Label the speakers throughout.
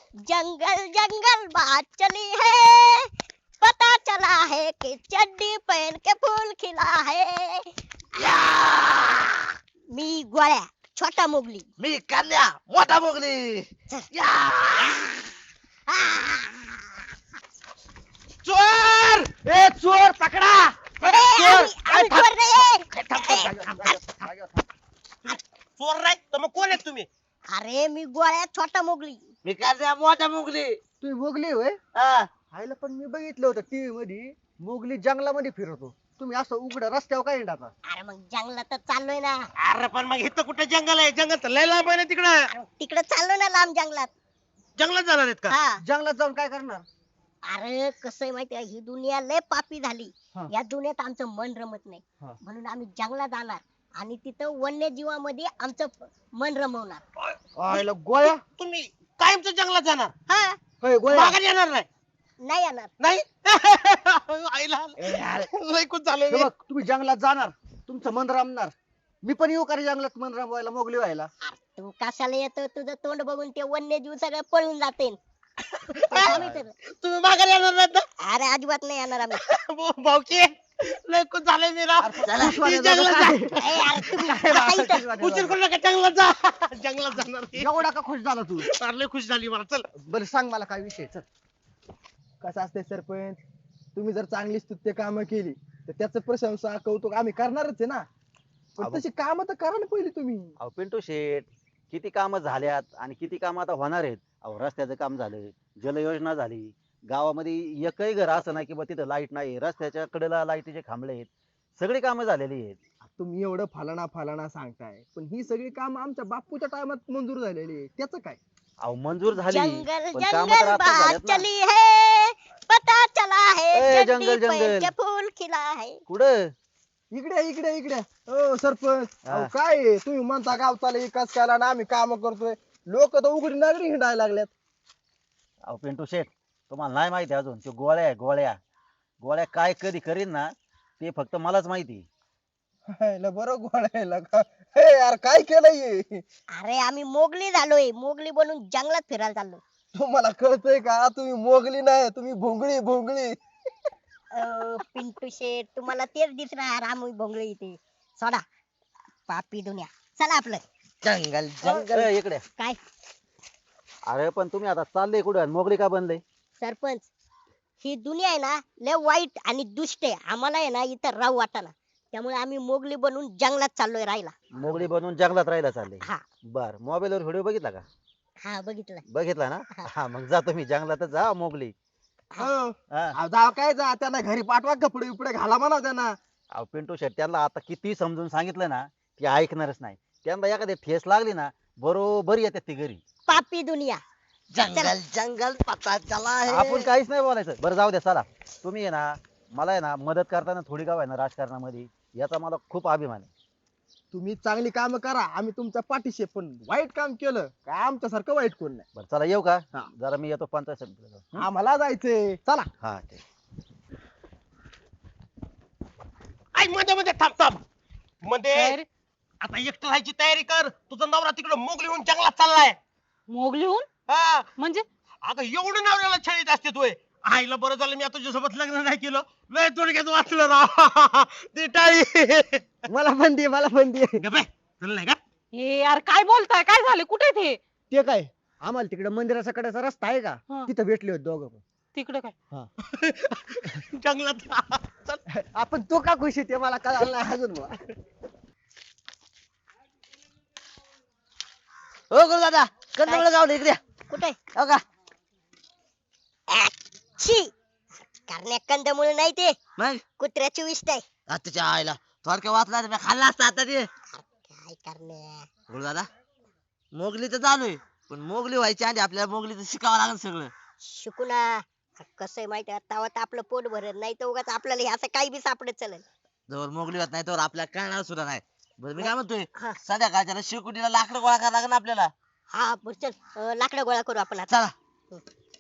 Speaker 1: जंगल जंगल बात चली है, पता चला है कि चड्डी पहन के फूल खिला है।
Speaker 2: या!
Speaker 1: मी गोळ्या, छोटा मोगली।
Speaker 2: मी कन्या मोठा मोगली या! चोर ए चोर पकडा
Speaker 1: अरे,
Speaker 2: चोर
Speaker 1: आम्ही चोर नाही।
Speaker 3: चोर नाही तर मग कोण आहेत तुम्ही?
Speaker 1: अरे मी गोळ्या, छोटा मोगली।
Speaker 2: मी कन्या मोठा मोगली
Speaker 4: तुम्ही मोगली होय?
Speaker 2: हा.
Speaker 4: आईला पण मी बघितलं होतं टीव्ही मध्ये मोगली जंगलामध्ये फिरतो. तुम्ही असं उघड्या रस्त्यावर काय हिंडता?
Speaker 1: अरे मग जंगलात चाललोय ना,
Speaker 3: अरे पण मग इथं कुठे जंगल आहे? जंगल तर लय लांब आहे ना तिकडं.
Speaker 1: तिकडे चाललो ना लांब जंगलात।
Speaker 3: जंगलात जाणार आहेत का?
Speaker 1: हा
Speaker 4: जंगलात जाऊन काय करणार?
Speaker 1: अरे कसं आहे माहितीये, ही दुनिया लय पापी झाली।
Speaker 4: हा.
Speaker 1: या दुनियेत आमचं मन रमत नाही,
Speaker 4: हा.
Speaker 1: म्हणून आम्ही जंगलात जाणार आणि तिथं वन्यजीवामध्ये आमचं मन रमवणार।
Speaker 4: आईला गोळ्या
Speaker 3: तुम्ही कायमचं जंगलात जाणार?
Speaker 1: हा
Speaker 4: होय गोळ्या.
Speaker 3: माघारी येणार नाही?
Speaker 1: नाही येणार।
Speaker 3: नाही आईला
Speaker 4: ए, अरे,
Speaker 3: लय खुश झालोय
Speaker 4: हे
Speaker 3: मी.
Speaker 4: बघ तुम्ही जंगलात जाणार, तुमचं मन रमणार. मी पण येऊ का रे जंगलात मन रमवायला, मोगली व्हायला?
Speaker 1: तू कशाला येतो? तुझं तोंड बघून ते वन्यजीव सगळं पळून जाते। आम्ही तर-
Speaker 3: तुम्ही माघारी येणार नाहीत ना?
Speaker 1: अरे अजिबात नाही येणार आम्ही।
Speaker 3: भाऊकी लय खुश झालोय मी राव.
Speaker 4: खुशवाले
Speaker 3: ती जंगलात
Speaker 4: जातो
Speaker 3: जा.
Speaker 4: काय?
Speaker 1: ए, अरे तुम्ही बसा इथं।
Speaker 3: उशीर करू नका, जंगलात जा. जंगलात जाणार मी.
Speaker 4: एवढा का खुश झाला तू?
Speaker 3: फार लय खुश झाली मला. चल
Speaker 4: बरं सांग मला काय विषय. चल. कसं असते सरपंच, तुम्ही जर चांगली स्तुत्य कामं केली तर त्याचं प्रशंसा कौतुक आम्ही करणारच आहे ना. पण
Speaker 5: अबो.
Speaker 4: तशी कामं तर करा ना पहिली तुम्ही.
Speaker 5: अहो पिंटू शेठ, किती कामं झाल्यात आणि किती कामं आता होणार आहेत. अहो रस्त्याचं काम झालं, जलयोजना झाली, गावामध्ये एकही घर असं नाही की बा तिथं लाईट नाही, रस्त्याच्या कडेला लाईटीचे खांबळे आहेत, सगळी कामं झालेली आहेत.
Speaker 4: तुम्ही एवढं फलाना फलाना सांगताय, पण ही सगळी कामं आमच्या बापूच्या टायमात मंजूर झालेली आहे. त्याचं काय?
Speaker 5: अहो मंजूर झाली,
Speaker 1: जंगल
Speaker 5: पण कामं तर
Speaker 1: जंगल
Speaker 5: आता
Speaker 1: बात
Speaker 5: झाल्यात ना.
Speaker 1: चली है, पता चला है
Speaker 5: ए,
Speaker 1: चड्डी
Speaker 5: जंगल,
Speaker 1: पहन
Speaker 5: जंगल.
Speaker 1: के फूल खिला है।
Speaker 5: कुठं?
Speaker 4: इकडे इकडे इकडे हो सरपंच.
Speaker 5: हा.
Speaker 4: अहो काय आहे? तुम्ही म्हणता गावचाला विकास केला ना, आम्ही काम करतोय. लोक तर उघडी नागरी हिंडायला लागल्यात.
Speaker 5: अहो पिंटू शेठ, तुम्हाला नाही माहिती अजून ते गोळ्या आहे, गोळ्या गोळ्या काय कधी करीन ना ते फक्त मलाच माहिती.
Speaker 4: हायला बरं गोळायला का? हे यार काय केलंय हे?
Speaker 1: अरे आम्ही मोगली झालोय, मोगली बनून जंगलात फिरायला चाललो।
Speaker 4: तुम्हाला कळतंय का? तुम्ही मोगली नाही, तुम्ही भोंगळी भोंगळी.
Speaker 1: पिंटू शेठ, तुम्हाला तेच दिसणार आम्ही भोंगळे इथे। सोडा पापी दुनिया, चला आपलं।
Speaker 2: जंगल
Speaker 5: ए, इकडे.
Speaker 1: काय
Speaker 5: अरे पण तुम्ही आता चालले कुठं आणि मोगली का बनले?
Speaker 1: सरपंच, ही दुनिया आहे ना लय वाईट आणि दुष्ट आहे। आम्हाला आहे ना इथं राहू वाटाना, त्यामुळे आम्ही मोगली बनून जंगलात चाललोय राहायला।
Speaker 5: मोगली बनवून जंगलात राहायला चालले?
Speaker 1: हा
Speaker 5: बर, मोबाईलवर व्हिडिओ बघितला का?
Speaker 1: हा बघितलं।
Speaker 5: बघितला ना? हा मग जातो मी जंगलातच, जा मोगली.
Speaker 4: हो.
Speaker 5: हा.
Speaker 4: अहो, जाव काय जा, त्यांना घरी पाठवा, कपडे बिपडे घाला म्हणा त्यांना.
Speaker 5: अहो पिंटू शेट, त्यांना आता किती समजून सांगितलं ना ती ऐकणारच नाही. त्यांना एखादी ठेस लागली ना बरोबर येतात ती घरी.
Speaker 1: पापी दुनिया।
Speaker 2: जंगल जंगल पता चला है.
Speaker 5: आपण काहीच नाही बोलायचं. बरं जाऊ द्या, चला. तुम्ही आहे ना मला आहे ना मदत करताना थोडी गाव आहे ना राजकारणामध्ये, याचा मला खूप अभिमान आहे.
Speaker 4: तुम्ही चांगली काम करा, आम्ही तुमच्या पाठीशी आहे. पण वाईट काम केलं काय आमच्यासारखं वाईट कोण नाही.
Speaker 5: बरं चला, येऊ का?
Speaker 4: हा.
Speaker 5: जरा मी येतो पंचायत समितीला जाऊन.
Speaker 4: आम्हाला जायचंय, चला.
Speaker 5: हा ठीक.
Speaker 3: आई मध्ये मध्ये थांब थांब मध्ये. आता एकटं राहायची तयारी कर. तुझा नवरा तिकडे मोगली होऊन जंगलात चाललाय.
Speaker 6: मोगलीहून
Speaker 3: हा
Speaker 6: म्हणजे?
Speaker 3: अगं एवढं नवऱ्याला छळीत असते तू. आईला बरं झालं मी आता तुझ्यासोबत लग्न नाही केलं. लय थोडक्यात वाचलं राव. ती टाळी.
Speaker 4: मला पण दे, मला पण दे.
Speaker 3: गप्पे, तुला नाही का?
Speaker 6: हे यार काय बोलताय? काय झाले? कुठे ते?
Speaker 4: ते काय, आम्हाला तिकडे मंदिराच्या कडेचा रस्ता आहे का,
Speaker 6: हा.
Speaker 4: तिथं भेटले होते दोघं पण.
Speaker 6: तिकडे काय?
Speaker 3: जंगलात. चल.
Speaker 4: आपण तो का खुशी ते मला कळालं नाही अजून बुवा.
Speaker 2: हो गुरु दादा, कंदमुळ गावलं इकडे या.
Speaker 1: कुठे?
Speaker 2: हो का?
Speaker 1: छी, करण्या कंदमुळे नाही ते,
Speaker 2: मग
Speaker 1: कुत्र्याची विष्ट आहे।
Speaker 2: आताच्या आईला थोडक्या वाचला मी खाल्ला असता आता ते.
Speaker 1: काय करण्या?
Speaker 2: गुरु दादा, मोगली तर चालूय, पण मोगली व्हायची आधी आपल्याला मोगलीचं शिकावं लागेल सगळं.
Speaker 1: शिकू ना. कसं आहे माहिती आहे, तेव्हा तर आपलं पोट भरत नाही तर उगाच आपल्याला हे असं काही बी सापडत चलन।
Speaker 2: जवळ मोगली होत नाही तर आपल्याला कळणार सुद्धा नाही. बरं मी काय म्हणतोय,
Speaker 1: हा.
Speaker 2: संध्याकाळच्या शिकुटीला लाकडं गोळा करावं लागेल आपल्याला.
Speaker 1: हा बरं चल, लाकडं गोळा करू आपण आता।
Speaker 2: चला.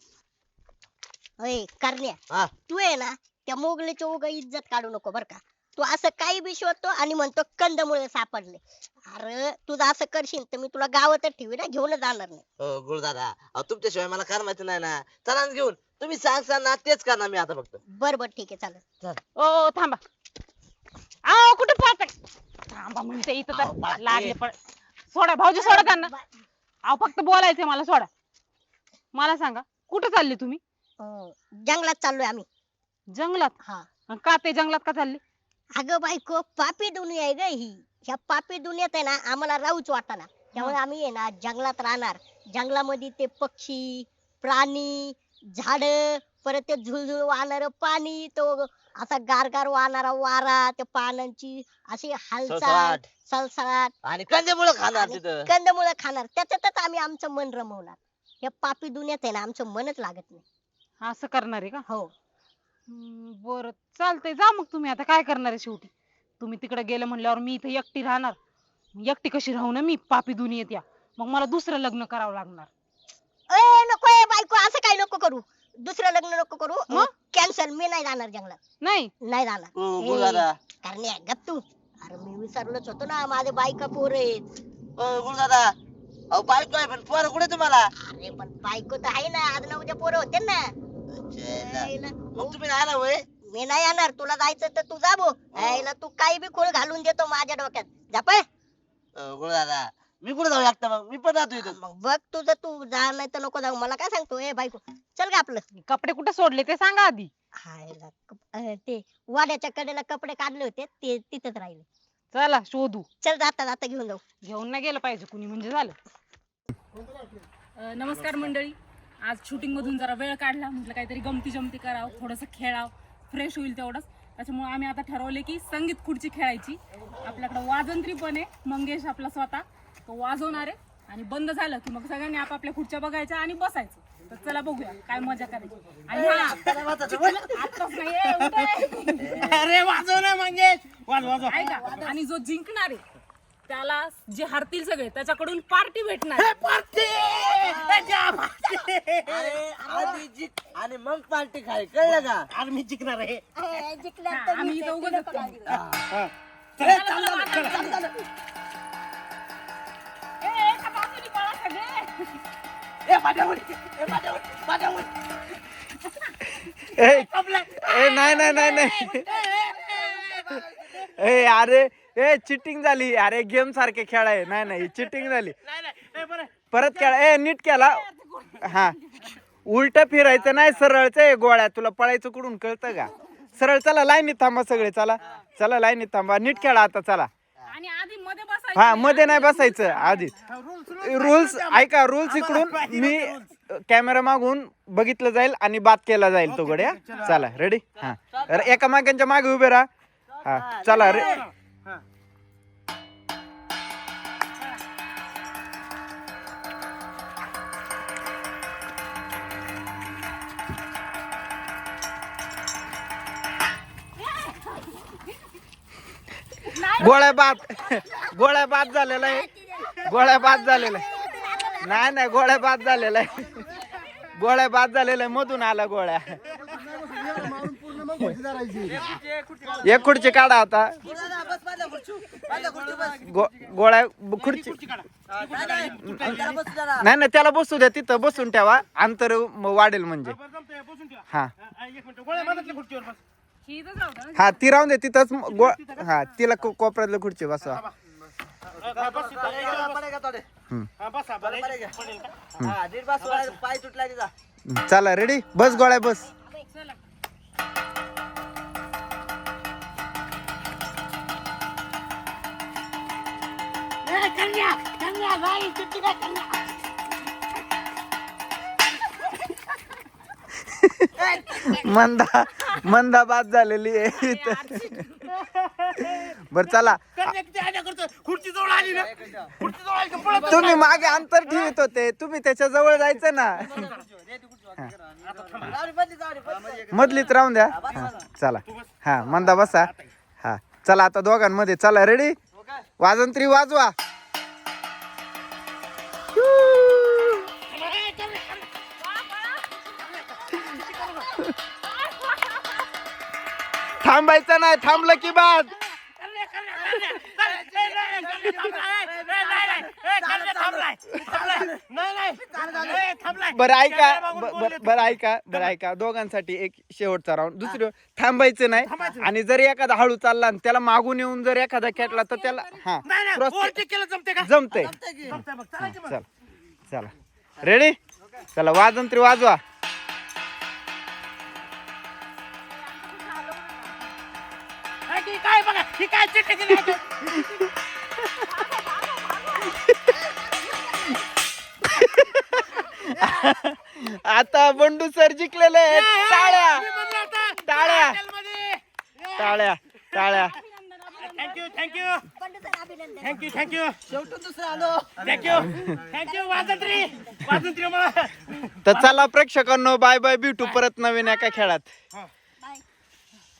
Speaker 1: अय करण्या,
Speaker 2: हा.
Speaker 1: तू आहे ना त्या मोगलीची उगा इज्जत काढू नको बर का। तू असं काही बी शोधतो आणि म्हणतो कंदमुळे सापडले. अरे तुझं असं करशील तर मी तुला गावातच ठेवी ना, घेऊन जाणार नाही.
Speaker 2: हो गुरुदादा, अहो तुमच्याशिवाय मला काय माहिती नाही ना. चला ना घेऊन, तुम्ही सांगसान ना तेच करणार मी आता फक्त.
Speaker 1: बर बर ठीक आहे चालेल.
Speaker 6: ओ थांबा. आओ कुठे पळताय? थांबा म्हणते इथं
Speaker 2: अहो,
Speaker 6: तर
Speaker 2: बाकी.
Speaker 6: लागले पण. सोडा भाऊजी, सोडा त्यांना. अहो फक्त बोलायचंय मला, सोडा. मला सांगा कुठे चालले तुम्ही?
Speaker 1: जंगलात चाललोय आम्ही.
Speaker 6: जंगलात?
Speaker 1: हा.
Speaker 6: अन का ते जंगलात का चालले?
Speaker 1: अगं बायको, पापी दुनिया आहे ग ही. ह्या पापी दुनियेत आहे ना आम्हाला राहूच वाटाना. त्यामुळे आम्ही आहे ना जंगलात राहणार. जंगलामध्ये ते पक्षी, प्राणी, झाड, परत ते झुळझुळ वाहणार पाणी, तो असा गारगार वाहणारा वारा, त्या पानांची अशी हालचाल,
Speaker 2: सळसळाट.
Speaker 1: सळसळाट
Speaker 2: आणि कंदमुळं खाणार
Speaker 1: आणि
Speaker 2: तिथं.
Speaker 1: कंदमुळं खाणार. त्याच्यातच आम्ही आमचं मन रमवणार. या पापी दुनियेत आहे ना आमचं मनच लागत नाही.
Speaker 6: असं करणार आहे का?
Speaker 1: हो.
Speaker 6: बरं चालतंय, जा मग तुम्ही. आता काय करणार आहे शेवटी? तुम्ही तिकडे गेले म्हणल्यावर मी इथे एकटी राहणार. एकटी कशी राहू ना मी पापी दुनियेत या. मग मला दुसरं लग्न करावं लागणार.
Speaker 1: ए नको ए बायको, असं काय नको करू. दुसरं लग्न नको करू.
Speaker 6: मग?
Speaker 1: कॅन्सल. मी नाही जाणार जंगलात.
Speaker 6: नाही
Speaker 1: नाही जाणार.
Speaker 2: हो गुरुदादा.
Speaker 1: कारण गप तू. अरे मी विसरलोच होतो ना, माझे बायका पोर आहेत.
Speaker 2: हो गुरुदादा, अहो बायको आहे पण पोरं कुठे तुम्हाला?
Speaker 1: अरे पण बायको तर आहे ना, आज ना उद्या पोरं होते ना. यायला.
Speaker 2: मग तुम्ही नाही ना होय?
Speaker 1: मी नाही येणार. तुला जायचं तर तू जा भो. यायला तू काही बी खोळ घालून देतो माझ्या डोक्यात. जा पळ.
Speaker 2: गुरुदादा, मी कुठे जाऊ एकटा? मग मी पण राहतो इथं.
Speaker 1: मग बघ तुझं तू जा, नाही तर नको जाऊ. मला काय सांगतो ए बायको, चल ग आपलं.
Speaker 6: कपडे कुठे सोडले ते सांगा आधी.
Speaker 1: हायला, ते वाड्याच्या कडेला कपडे काढले होते ते तिथंच राहिले.
Speaker 6: चला शोधू.
Speaker 1: चल जाता जाता घेऊन जाऊ.
Speaker 6: घेऊन नाही गेलं पाहिजे कुणी म्हणजे झालं.
Speaker 7: नमस्कार मंडळी. आज शूटिंग मधून जरा वेळ काढला, म्हटलं काहीतरी गमती जमती करावं, थोडंसं खेळावं, फ्रेश होईल तेवढंच. त्याच्यामुळे आम्ही आता ठरवले की संगीत खुर्ची खेळायची. आपल्याकडे वाजंत्री पण आहे, मंगेश आपला स्वतः तो वाजवणार आहे. आणि बंद झालं की मग सगळ्यांनी आपापल्या खुर्च्या बघायच्या आणि बसायचं. तर चला बघूया काय मजा करायची. आणि आत्ताच नाही
Speaker 3: अरे वाजव ना मंगेश, वाजव.
Speaker 7: ऐका, आणि जो जिंकणार आहे त्याला, जे हरतील सगळे त्याच्याकडून पार्टी भेटणार.
Speaker 2: अरे आधी जिंक आणि मग पार्टी खाय, कळलं का?
Speaker 3: आज मी जिंकणार आहे.
Speaker 7: आम्ही इथं उगाच असतो. एका बाजूने पळा सगळे.
Speaker 8: नाही नाही नाही नाही ए अरे ए चिटिंग झाली. अरे गेम सारखे खेळाय. नाही नाही चिटिंग झाली. परत खेळा. ए नीट केला. हा उलट फिरायचं नाही, सरळच आहे गोळ्या. तुला पळायचं कुठून कळतं का? सरळ. चला लाईनीत थांबा सगळे. चला चला लाईनीत थांबा. नीट खेळा आता. चला.
Speaker 7: आणि आधी मध्ये बसायचं.
Speaker 8: हा मध्ये नाही बसायचं. आधी रूल्स ऐका. रूल्स इकडून मी कॅमेरा मागून बघितलं जाईल आणि बात केला जाईल तो गड्या. चला रेडी. हा एका मागांच्या मागे उभे राहा. हा चला रे. गोळ्या बाद झालेला आहे. गोळ्या बाद झालेला आहे. नाही नाही गोळ्या बाद झालेला आहे. गोळ्या बाद झालेला आहे. मधून आला गोळ्या. एक खुर्ची काढा आता. गोळ्या खुर्ची नाही नाही त्याला बसू द्या. तिथं बसून ठेवा. अंतर वाढेल म्हणजे. हा हा ती राहून दे तिथंच. हा तिला कोपऱ्यातल्या खुर्ची बसवा.
Speaker 2: पाय तुटला तिचा.
Speaker 8: चला रेडी. बस गोळ्या बस. मंदा बाद झालेली आहे. बर चला.
Speaker 3: खुर्ची जवळ आली ना, खुर्ची जवळ आली का पळत
Speaker 8: तुम्ही मागे अंतर ठेवत होते. तुम्ही त्याच्या जवळ जायचं ना. मधलीत राहून द्या. हा, चला. हा मंदा बसा. हा चला आता दोघांमध्ये. चला रेडी. वाजंत्री वाजवा. थांबायचं नाही, थांबलं की बाद. बरं ऐका दोघांसाठी एक शेवटचा राऊंड. दुसरं थांबायचं नाही, आणि जर एखादा हळू चालला आणि त्याला मागून येऊन जर एखादा खेटला तर त्याला जमतंय. चला चला रेडी, चला वाजंत्री वाजवा.
Speaker 3: काय बघा ही काय चिट्टी दिली आहे?
Speaker 8: आता बंडू सर जिंकलेले आहेत. टाळ्या टाळ्या टाळ्या टाळ्या.
Speaker 3: थँक्यू थँक्यू थँक्यू थँक्यू शेवटून दुसरं आलो. थँक्यू थँक्यू वाजंत्री वाजंत्री मला.
Speaker 8: तर चला प्रेक्षकांनो, बाय बाय, भेटू परत नवीन एका खेळात.